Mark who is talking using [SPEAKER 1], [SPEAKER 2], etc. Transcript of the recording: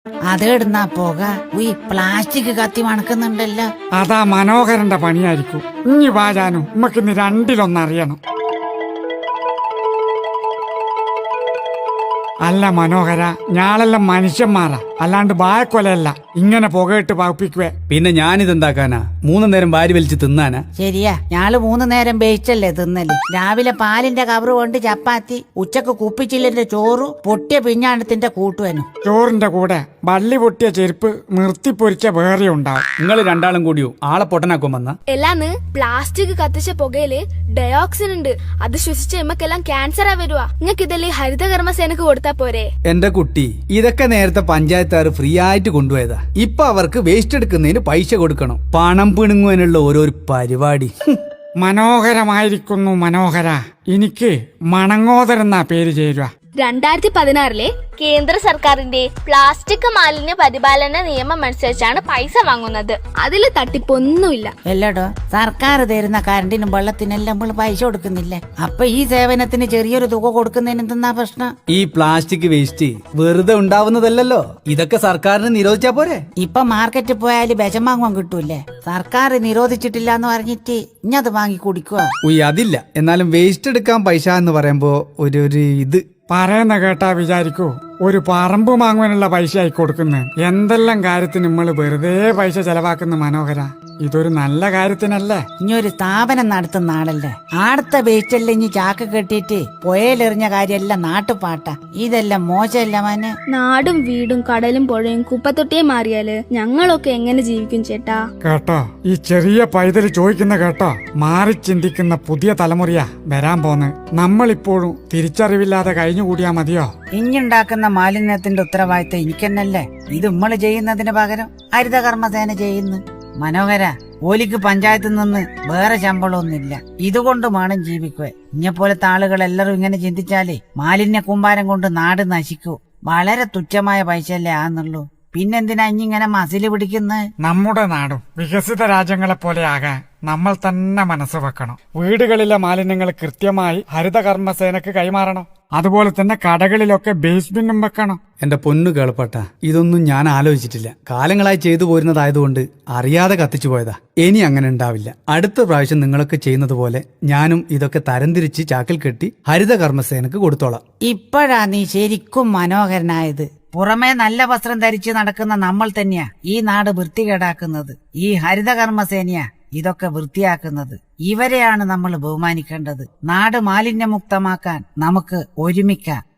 [SPEAKER 1] അതെടുന്നാ പോക ഈ പ്ലാസ്റ്റിക് കത്തി മണക്കുന്നുണ്ടല്ലോ.
[SPEAKER 2] അതാ മനോഹരന്റെ പണിയായിരിക്കും. ഇനി വാജാനു നമുക്കിന്ന് രണ്ടിലൊന്നറിയണം. അല്ല മനോഹര, ഞാളെല്ലാം മനുഷ്യന്മാരാ, അല്ലാണ്ട് ബായക്കൊലയല്ല. ഇങ്ങനെ പുകയിട്ട് പകപ്പിക്കുവേ.
[SPEAKER 3] പിന്നെ ഞാനിതെന്താക്കാനാ? 3 നേരം വാരി വലിച്ച് തിന്നാനാ?
[SPEAKER 1] ശരിയാ, ഞാള് 3 നേരം വേയിച്ചല്ലേ തിന്നല്. രാവിലെ പാലിന്റെ കവറ് കൊണ്ട് ചപ്പാത്തി, ഉച്ചക്ക് കുപ്പിച്ചില്ലിന്റെ ചോറ്, പൊട്ടിയ പിഞ്ഞാണത്തിന്റെ കൂട്ടുവനും.
[SPEAKER 2] ചോറിന്റെ കൂടെ വള്ളി പൊട്ടിയ ചെരുപ്പ് നിർത്തിപ്പൊരിച്ച വേറെ ഉണ്ടാവും.
[SPEAKER 3] നിങ്ങൾ രണ്ടാളും കൂടിയോ ആളെ പൊട്ടനാക്കും വന്ന?
[SPEAKER 4] എല്ലാന്ന് പ്ലാസ്റ്റിക് കത്തിച്ച പുകയില് ഡയോക്സിൻ ഉണ്ട്. അത് ശ്വസിച്ച എമ്മക്കെല്ലാം ക്യാൻസറാ വരുവാ. നിങ്ങൾക്ക് ഇതല്ലേ ഹരിതകർമ്മസേനക്ക് കൊടുത്താ പോരെ?
[SPEAKER 3] എന്റെ കുട്ടി, ഇതൊക്കെ നേരത്തെ പഞ്ചായത്തുകാർ ഫ്രീ ആയിട്ട് കൊണ്ടുപോയതാ. ഇപ്പൊ അവർക്ക് വേസ്റ്റ് എടുക്കുന്നതിന് പൈസ കൊടുക്കണം. പണം പിണുങ്ങുവാനുള്ള ഓരോ പരിപാടി.
[SPEAKER 2] മനോഹരമായിരിക്കുന്നു മനോഹര. എനിക്ക് മണങ്ങോദരെന്നാ പേര് ചേരുക.
[SPEAKER 4] 2016 കേന്ദ്ര സർക്കാരിന്റെ പ്ലാസ്റ്റിക് മാലിന്യ പരിപാലന നിയമം അനുസരിച്ചാണ് പൈസ വാങ്ങുന്നത്. അതിൽ തട്ടിപ്പൊന്നുമില്ല.
[SPEAKER 1] അല്ലടോ, സർക്കാർ തരുന്ന കറണ്ടിനും വെള്ളത്തിനെല്ലാം നമ്മൾ പൈസ കൊടുക്കുന്നില്ലേ? അപ്പൊ ഈ സേവനത്തിന് ചെറിയൊരു തുക കൊടുക്കുന്നതിന് എന്തെന്നാ പ്രശ്നം?
[SPEAKER 3] ഈ പ്ലാസ്റ്റിക് വേസ്റ്റ് വെറുതെ ഉണ്ടാവുന്നതല്ലോ. ഇതൊക്കെ സർക്കാരിന് നിരോധിച്ചാ പോരെ?
[SPEAKER 1] ഇപ്പൊ മാർക്കറ്റിൽ പോയാല് വിഷം വാങ്ങാൻ കിട്ടൂലേ? സർക്കാർ നിരോധിച്ചിട്ടില്ല എന്ന് പറഞ്ഞിട്ട് ഇഞ്ഞത് വാങ്ങി കുടിക്കുക.
[SPEAKER 3] അതില്ല. എന്നാലും വേസ്റ്റ് എടുക്കാൻ പൈസ എന്ന് പറയുമ്പോ ഒരു ഇത്
[SPEAKER 2] പറയുന്ന കേട്ടാ വിചാരിക്കൂ ഒരു പറമ്പ് വാങ്ങുവാനുള്ള പൈസ ആയി കൊടുക്കുന്നു. എന്തെല്ലാം കാര്യത്തിന് നമ്മൾ വെറുതെ പൈസ ചെലവാക്കുന്ന മനോഹര. ഇതൊരു നല്ല കാര്യത്തിനല്ലേ?
[SPEAKER 1] ഇനി ഒരു സ്ഥാപനം നടത്തുന്ന ആളല്ലേ? ആടത്തെ വേസ്റ്റല്ലേ ഇനി ചാക്ക് കെട്ടിയിട്ട് പുഴയിലെറിഞ്ഞ കാര്യമെല്ലാം നാട്ടുപാട്ടാ. ഇതെല്ലാം മോശമല്ല മോനെ.
[SPEAKER 4] നാടും വീടും കടലും പുഴയും കുപ്പത്തൊട്ടിയെ മാറിയാല് ഞങ്ങളൊക്കെ എങ്ങനെ ജീവിക്കും ചേട്ടാ?
[SPEAKER 2] കേട്ടോ, ഈ ചെറിയ പൈതല് ചോദിക്കുന്ന കേട്ടോ, മാറി ചിന്തിക്കുന്ന പുതിയ തലമുറയാ വരാൻ പോന്ന്. നമ്മളിപ്പോഴും തിരിച്ചറിവില്ലാതെ കഴിഞ്ഞുകൂടിയാ മതിയോ?
[SPEAKER 1] ഇഞ്ഞുണ്ടാക്കുന്ന മാലിന്യത്തിന്റെ ഉത്തരവാദിത്തം എനിക്കെന്നല്ലേ? ഇത് നമ്മള് ചെയ്യുന്നതിന് പകരം ഹരിതകർമ്മസേന ചെയ്യുന്നു. മനോഹര, ഓലിക്ക് പഞ്ചായത്തിൽ നിന്ന് വേറെ ശമ്പളമൊന്നുമില്ല. ഇതുകൊണ്ട് വേണം ജീവിക്കുവേ. ഇഞ്ഞെപ്പോലത്തെ ആളുകൾ എല്ലാരും ഇങ്ങനെ ചിന്തിച്ചാലേ മാലിന്യ കൂമ്പാരം കൊണ്ട് നാട് നശിക്കൂ. വളരെ തുച്ഛമായ പൈസയല്ലേ ആന്നുള്ളൂ. പിന്നെന്തിനാ ഇങ്ങനെ മസില് പിടിക്കുന്നത്?
[SPEAKER 2] നമ്മുടെ നാടും വികസിത രാജ്യങ്ങളെ പോലെ ആകാൻ നമ്മൾ തന്നെ മനസ്സ് വെക്കണം. വീടുകളിലെ മാലിന്യങ്ങൾ കൃത്യമായി ഹരിതകർമ്മസേനക്ക് കൈമാറണം. അതുപോലെ തന്നെ കടകളിലൊക്കെ ബേസ്ബിന്നും വെക്കണം.
[SPEAKER 3] എന്റെ പൊന്നു കേളപ്പട്ട, ഇതൊന്നും ഞാൻ ആലോചിച്ചിട്ടില്ല. കാലങ്ങളായി ചെയ്തു പോരുന്നതായതുകൊണ്ട് അറിയാതെ കത്തിച്ചു പോയതാ. ഇനി അങ്ങനെ ഉണ്ടാവില്ല. അടുത്ത പ്രാവശ്യം നിങ്ങളൊക്കെ ചെയ്യുന്നത് പോലെ ഞാനും ഇതൊക്കെ തരംതിരിച്ച് ചാക്കിൽ കെട്ടി ഹരിതകർമ്മസേനക്ക് കൊടുത്തോളാം.
[SPEAKER 1] ഇപ്പോഴാ നീ ശരിക്കും മനോഹരനായത്. പുറമേ നല്ല വസ്ത്രം ധരിച്ച് നടക്കുന്ന നമ്മൾ തന്നെയാ ഈ നാട് വൃത്തികേടാക്കുന്നത്. ഈ ഹരിതകർമ്മസേനയാ ഇതൊക്കെ വൃത്തിയാക്കുന്നത്. ഇവരെയാണ് നമ്മൾ ബഹുമാനിക്കേണ്ടത്. നാട് മാലിന്യമുക്തമാക്കാൻ നമുക്ക് ഒരുമിക്കാം.